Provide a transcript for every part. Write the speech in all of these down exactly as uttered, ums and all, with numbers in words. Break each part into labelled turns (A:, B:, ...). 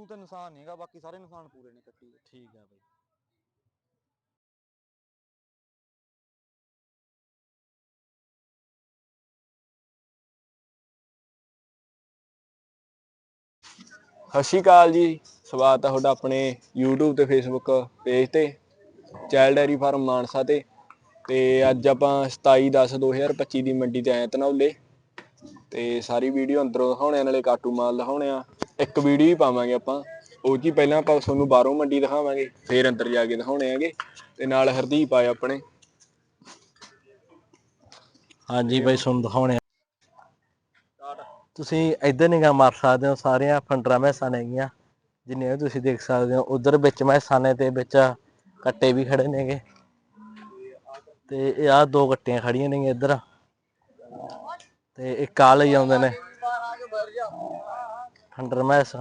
A: ਸੂ ਤੇ ਨਿਸ਼ਾਨ ਨਹੀਂਗਾ, ਬਾਕੀ ਸਾਰੇ ਨਿਸ਼ਾਨ ਪੂਰੇ ਨੇ ਕੱਟੀ ਦੇ।
B: ਠੀਕ ਆ ਬਾਈ। ਸਤਿ ਸ਼੍ਰੀ ਅਕਾਲ ਜੀ, ਸਵਾਗਤ ਹੈ ਤੁਹਾਡਾ ਆਪਣੇ YouTube ਤੇ Facebook ਪੇਜ ਤੇ ਚਾਈਲਡ ਡੈਰੀ ਫਾਰਮ ਮਾਨਸਾ ਤੇ। ਤੇ ਅੱਜ ਆਪਾਂ ਸਤਾਈ ਦਸ ਦੋ ਹਜ਼ਾਰ ਪੱਚੀ ਦੀ ਮੰਡੀ ਤੇ ਆਏ ਧਨੌਲੇ ਤੇ ਸਾਰੀ ਵੀਡੀਓ ਅੰਦਰੋਂ ਦਿਖਾਉਣੇ, ਨਾਲੇ ਕਾਟੂ ਮਾਲ ਦਿਖਾਉਣੇ ਆ। ਇੱਕ ਵੀਡੀਓ ਹੀ ਪਾਵਾਂਗੇ ਆਪਾਂ, ਉਹ 'ਚ ਹੀ ਪਹਿਲਾਂ ਆਪਾਂ ਤੁਹਾਨੂੰ ਬਾਹਰੋਂ ਮੰਡੀ ਦਿਖਾਵਾਂਗੇ, ਫਿਰ ਅੰਦਰ ਜਾ ਕੇ ਦਿਖਾਉਣੇ ਹੈਗੇ। ਤੇ ਨਾਲ ਹਰਦੀਪ ਆਏ ਆਪਣੇ। ਹਾਂਜੀ ਬਾਈ, ਤੁਹਾਨੂੰ ਦਿਖਾਉਣੇ ਤੁਸੀਂ ਇੱਧਰ ਨਿਗਾਹ ਮਾਰ ਸਕਦੇ ਹੋ। ਸਾਰੀਆਂ ਫੰਡਰਾਂ ਮੈਸਾਂ ਨੇਗੀਆਂ ਜਿੰਨੀਆਂ ਤੁਸੀਂ ਦੇਖ ਸਕਦੇ ਹੋ। ਉਧਰ ਵਿੱਚ ਮੈਸਾਂ ਨੇ ਤੇ ਵਿੱਚ ਕੱਟੇ ਵੀ ਖੜੇ ਨੇਗੇ। ਤੇ ਇਹ ਆਹ ਦੋ ਕੱਟੀਆਂ ਖੜੀਆਂ ਨੇ ਇੱਧਰ, ਤੇ ਇੱਕ ਆ ਲਈ ਆਉਂਦੇ ਨੇ ਫੰਡਰ ਮੈਸ।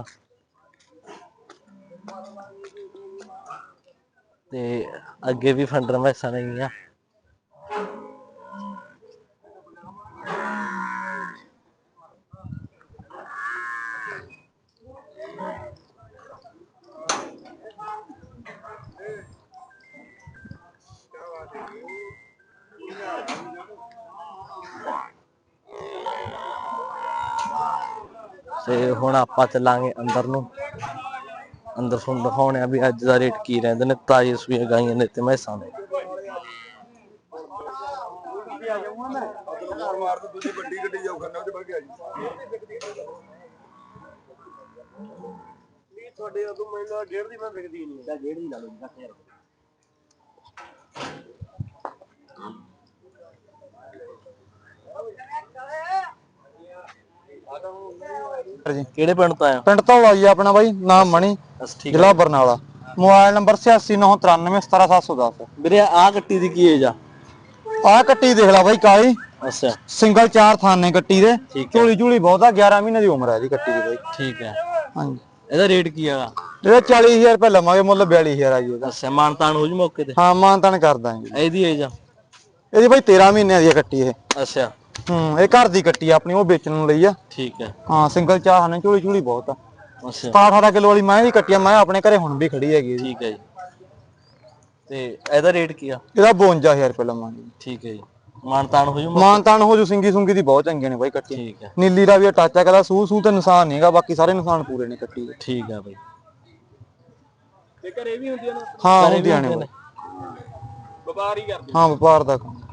B: ਤੇ ਅੱਗੇ ਵੀ ਫੰਡਰ ਮੈਸਾਂ ਨੇਗੀਆਂ। ਤੇ ਹੁਣ ਆਪਾਂ ਚੱਲਾਂਗੇ ਅੰਦਰ ਨੂੰ। ਅੰਦਰ ਤੁਹਾਨੂੰ ਦਿਖਾਉਣੇ ਆ ਵੀ ਅੱਜ ਦਾ ਰੇਟ ਕੀ ਰਹਿੰਦੇ ਨੇ ਤਾਜ਼ੀ ਸੂਈਆਂ ਗਾਈਆਂ ਨੇ ਤੇ ਮੈਸਾਂ ਦੇ। ਤੁਹਾਡੇ ਉਦੋਂ ਮੈਨੂੰ ਡੇਢ ਦੀ ਮੈਂ ਵਿਕਦੀ ਨਹੀਂ, ਡੇਢ ਦੀ ਲਾ ਲਓ ਦਸ ਹਜ਼ਾਰ। ਕਿਹੜੇ ਪਿੰਡ ਤੋਂ ਆਇਆ?
A: ਪਿੰਡ ਧੌਲਾ ਜੀ ਆਪਣਾ ਬਾਈ, ਨਾਮ ਮਣੀ, ਜ਼ਿਲ੍ਹਾ ਬਰਨਾਲਾ। ਮੋਬਾਈਲ ਨੰਬਰ ਛਿਆਸੀ ਨੌ ਤਰਾਨਵੇਂ ਸਤਾਰਾਂ ਸੱਤ ਸੌ ਦਸ।
B: ਵੀਰੇ ਆਹ ਕੱਟੀ ਦੀ ਕੀ ਏਜ ਆ?
A: ਆਹ ਕੱਟੀ ਦੇਖ ਲੈ ਬਾਈ ਕਾਲੀ।
B: ਅੱਛਾ,
A: ਸਿੰਗਲ ਚਾਰ ਥਾਨੇ ਕੱਟੀ ਦੇ, ਝੋਲੀ ਝੂਲੀ ਬਹੁਤ ਆ। ਗਿਆਰਾਂ ਮਹੀਨੇ ਦੀ ਉਮਰ ਹੈ ਇਹਦੀ ਕੱਟੀ ਦੀ ਬਾਈ।
B: ਠੀਕ ਹੈ।
A: ਹਾਂਜੀ,
B: ਇਹਦਾ ਰੇਟ ਕੀ ਹੈਗਾ?
A: ਇਹਦਾ ਚਾਲੀ ਹਜ਼ਾਰ ਰੁਪਏ ਲਵਾਂਗੇ, ਮੁੱਲ ਬਿਆਲੀ ਹਜ਼ਾਰ ਆ ਜੀ ਇਹਦਾ।
B: ਅੱਛਾ, ਮਾਨਤਾਨ ਹੋ ਜੂ ਮੌਕੇ ਤੇ?
A: ਹਾਂ, ਮਾਨਤਾਨ ਕਰ ਦਾਂਗੇ।
B: ਇਹਦੀ ਏਜ ਆ?
A: ਇਹਦੀ ਬਾਈ ਤੇਰਾਂ ਮਹੀਨਿਆਂ ਦੀ ਆ ਕੱਟੀ ਇਹ।
B: ਅੱਛਾ,
A: ਹੂੰ, ਇਹ ਘਰ ਦੀ ਕੱਟੀ ਆਪਣੀ, ਉਹ ਵੇਚਣ ਨੂੰ ਲਈ ਆ।
B: ਠੀਕ ਹੈ।
A: ਹਾਂ, ਸਿੰਗਲ ਚਾਰ ਥਾਨੇ, ਝੋਲੀ ਝੂਲੀ ਬਹੁਤ ਆ।
B: ਅੱਛਾ,
A: ਸਤਾਰਾਂ ਅਠਾਰਾਂ ਕਿਲੋ ਵਾਲੀ ਮੈਂ ਦੀ ਕੱਟੀ ਆ। ਮੈਂ ਆਪਣੇ ਘਰੇ ਹੁਣ ਵੀ ਖੜੀ ਹੈਗੀ।
B: ਠੀਕ ਹੈ ਜੀ। ਤੇ ਇਹਦਾ ਰੇਟ ਕੀ ਆ?
A: ਇਹਦਾ ਬਵੰਜਾ ਹਜ਼ਾਰ ਰੁਪਏ ਲਵਾਂਗੇ।
B: ਠੀਕ ਹੈ ਜੀ। ਮਾਨਤਾਨ ਹੋ ਜੂ?
A: ਮਾਨਤਾਨ ਹੋ ਜੂ। ਸਿੰਗੀ ਸੁੰਗੀ ਦੀ ਬਹੁਤ ਚੰਗੀਆਂ ਨੇ ਬਾਈ ਕੱਟੀ।
B: ਠੀਕ ਹੈ।
A: ਨੀਲੀ ਦਾ ਵੀ ਟੱਚ ਆ, ਕਹਿੰਦਾ ਸੂ ਸੂ ਤੇ ਨਿਸ਼ਾਨ ਨਹੀਂਗਾ, ਬਾਕੀ ਸਾਰੇ ਨਿਸ਼ਾਨ ਪੂਰੇ ਨੇ ਕੱਟੀ ਦੇ।
B: ਠੀਕ ਆ ਬਾਈ। ਤੇ ਘਰੇ ਵੀ ਹੁੰਦੀਆਂ ਨੇ?
A: ਹਾਂ,
B: ਘਰੇ ਵੀ
A: ਹੁੰਦੀਆਂ ਨੇ
B: ਹੁੰਦੀਆਂ
A: ਬਾਈ।
B: ਵਪਾਰ ਹੀ ਕਰਦੇ?
A: ਹਾਂ, ਵਪਾਰ ਦਾ ਕੰਮ।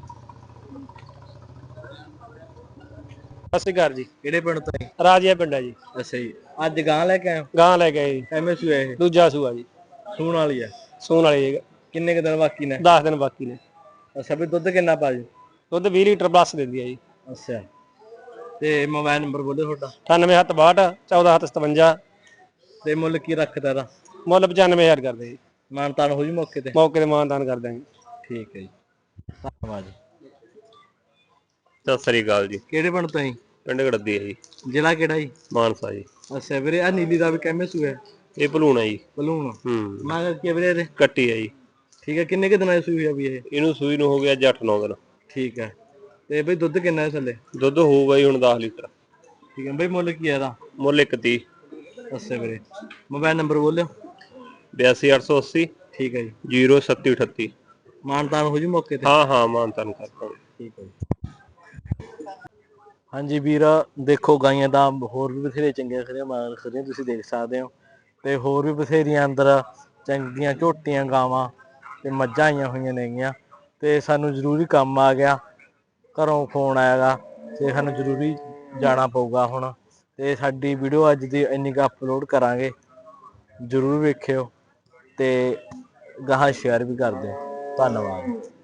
C: ਸਤਿ ਸ਼੍ਰੀ ਅਕਾਲ ਜੀ।
B: ਕਿਹੜੇ ਪਿੰਡ ਤੋਂ?
C: ਰਾਜੀਆ ਪਿੰਡ ਹੈ ਜੀ।
B: ਅੱਛਾ ਜੀ। ਅੱਜ ਗਾਂ ਲੈ ਕੇ ਆਏ?
C: ਗਾਂ ਲੈ ਕੇ ਆਏ ਜੀ।
B: ਐਵੇਂ ਸੂਆ ਇਹ?
C: ਦੂਜਾ ਸੂਆ ਜੀ।
B: ਸੂਣ ਵਾਲੀ ਆ?
C: ਸੂਣ ਵਾਲੀ ਜੀ।
B: ਕਿੰਨੇ ਕੁ ਦਿਨ ਬਾਕੀ ਨੇ?
C: ਦਸ ਦਿਨ ਬਾਕੀ ਨੇ।
B: ਅੱਛਾ, ਵੀ ਦੁੱਧ ਕਿੰਨਾ ਪਾ ਜੂ?
C: ਦੁੱਧ ਵੀਹ ਲੀਟਰ ਪਲੱਸ ਦਿੰਦੀ ਹੈ ਜੀ।
B: ਅੱਛਾ, ਤੇ ਮੋਬਾਈਲ ਨੰਬਰ ਬੋਲੋ ਤੁਹਾਡਾ?
C: ਅਠਾਨਵੇਂ ਸੱਤ ਬਾਹਠ ਚੌਦਾਂ ਸੱਤ ਸਤਵੰਜਾ।
B: ਤੇ ਮੁੱਲ ਕੀ ਰੱਖਦਾ ਇਹਦਾ?
C: ਮੁੱਲ ਪਚਾਨਵੇਂ ਹਜ਼ਾਰ ਕਰਦੇ ਜੀ।
B: ਮਾਨਤਾਨ ਹੋ ਜੂ ਮੌਕੇ ਤੇ?
C: ਮੌਕੇ ਤੇ ਮਾਨਤਾਨ ਕਰ ਦਾਂਗੇ।
B: ਠੀਕ ਹੈ ਜੀ, ਧੰਨਵਾਦ ਜੀ।
D: ਸਤਿ ਸ੍ਰੀ ਅਕਾਲ ਜੀ।
B: ਕਿਹੜੇ ਪਿੰਡ ਤੋਂ ਜੀ?
D: ਪਿੰਡ ਗੜਦੀ ਹੈ ਜੀ।
B: ਜ਼ਿਲ੍ਹਾ ਕਿਹੜਾ ਜੀ?
D: ਮਾਨਸਾ ਜੀ।
B: ਅੱਛਾ ਵੀਰੇ, ਆ ਨੀਲੀ ਦਾ ਵੀ ਕਿਵੇਂ ਸੂਆ?
D: ਇਹ ਭਲੂਣ ਹੈ ਜੀ।
B: ਭਲੂਣ?
D: ਹੂੰ,
B: ਮੈਂ ਕੀ ਵੀਰੇ ਇਹਦੇ?
D: ਕੱਟੀ ਹੈ ਜੀ।
B: ਠੀਕ ਹੈ। ਕਿੰਨੇ ਕੁ ਦਿਨਾਂ ਦੀ ਸੂਈ ਆ ਵੀ ਇਹ?
D: ਇਹਨੂੰ ਸੂਈ ਨੂੰ ਹੋ ਗਿਆ ਅੱਜ ਅੱਠ ਨੌ ਦਿਨ।
B: ਠੀਕ ਹੈ। ਤੇ ਬਈ ਦੁੱਧ ਕਿੰਨਾ ਹੈ ਥੱਲੇ?
D: ਦੁੱਧ ਹੋਊਗਾ ਜੀ ਹੁਣ ਦਸ ਲੀਟਰ।
B: ਠੀਕ ਹੈ ਬਈ। ਮੁੱਲ ਕੀ ਹੈ ਇਹਦਾ?
D: ਮੁੱਲ ਇੱਕ ਤੀਹ।
B: ਅੱਛਾ ਵੀਰੇ, ਮੋਬਾਈਲ ਨੰਬਰ ਬੋਲਿਓ?
D: ਬਿਆਸੀ ਅੱਠ ਸੌ ਅੱਸੀ।
B: ਠੀਕ ਹੈ ਜੀ।
D: ਜੀਰੋ ਸੱਤੀ ਅਠੱਤੀ।
B: ਮਾਨਤਾਨ ਹੋ ਜੂ ਮੌਕੇ ਤੇ?
D: ਹਾਂ ਹਾਂ, ਮਾਨਤਾਨ ਕਰ ਦਾਂਗੇ।
B: ਠੀਕ ਹੈ ਜੀ। ਹਾਂਜੀ ਵੀਰ, ਦੇਖੋ ਗਾਈਆਂ ਤਾਂ ਹੋਰ ਵੀ ਬਥੇਰੇ ਚੰਗੀਆਂ ਖੜੀਆਂ ਮਾਰ ਖੜੀਆਂ, ਤੁਸੀਂ ਦੇਖ ਸਕਦੇ ਹੋ। ਤੇ ਹੋਰ ਵੀ ਬਥੇਰੀਆਂ ਅੰਦਰ ਚੰਗੀਆਂ ਝੋਟੀਆਂ ਗਾਵਾਂ ਤੇ ਮੱਝਾਂ ਆਈਆਂ ਹੋਈਆਂ ਨੇਗੀਆਂ। ਤੇ ਸਾਨੂੰ ਜ਼ਰੂਰੀ ਕੰਮ ਆ ਗਿਆ, ਘਰੋਂ ਫੋਨ ਆਇਆ ਗਾ ਤੇ ਸਾਨੂੰ ਜ਼ਰੂਰੀ ਜਾਣਾ ਪਊਗਾ ਹੁਣ। ਤੇ ਸਾਡੀ ਵੀਡੀਓ ਅੱਜ ਦੀ ਇੰਨੀ ਕੁ ਅਪਲੋਡ ਕਰਾਂਗੇ, ਜ਼ਰੂਰ ਵੇਖਿਓ ਤੇ ਗਾਹਾਂ ਸ਼ੇਅਰ ਵੀ ਕਰ ਦਿਓ। ਧੰਨਵਾਦ।